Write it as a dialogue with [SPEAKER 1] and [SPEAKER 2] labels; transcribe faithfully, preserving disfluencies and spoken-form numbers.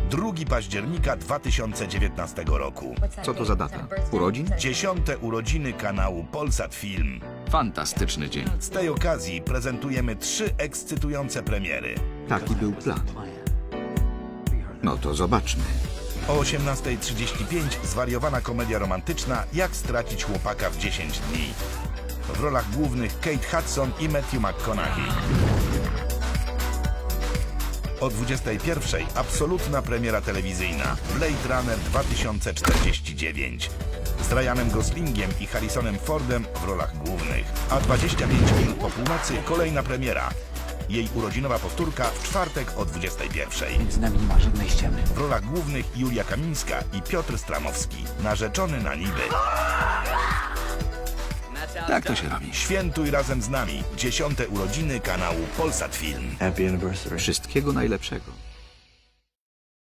[SPEAKER 1] drugiego października dwa tysiące dziewiętnastego roku.
[SPEAKER 2] Co to za data? Urodzin?
[SPEAKER 1] Dziesiąte urodziny kanału Polsat Film.
[SPEAKER 2] Fantastyczny dzień.
[SPEAKER 1] Z tej okazji prezentujemy trzy ekscytujące premiery.
[SPEAKER 2] Taki był plan. No to zobaczmy.
[SPEAKER 1] O osiemnastej trzydzieści pięć zwariowana komedia romantyczna Jak stracić chłopaka w dziesięć dni. W rolach głównych Kate Hudson i Matthew McConaughey. O dwudziestej pierwszej absolutna premiera telewizyjna Blade Runner dwa tysiące czterdzieści dziewięć z Ryanem Goslingiem i Harrisonem Fordem w rolach głównych. A dwadzieścia pięć minut po północy kolejna premiera. Jej urodzinowa powtórka w czwartek o dwudziestej pierwszej.
[SPEAKER 3] Między nami nie ma żadnej ściemy.
[SPEAKER 1] W rolach głównych Julia Kamińska i Piotr Stramowski. Narzeczony na niby.
[SPEAKER 2] Tak to się robi.
[SPEAKER 1] Świętuj razem z nami dziesiąte urodziny kanału Polsat Film.
[SPEAKER 4] Happy anniversary.
[SPEAKER 2] Wszystkiego najlepszego.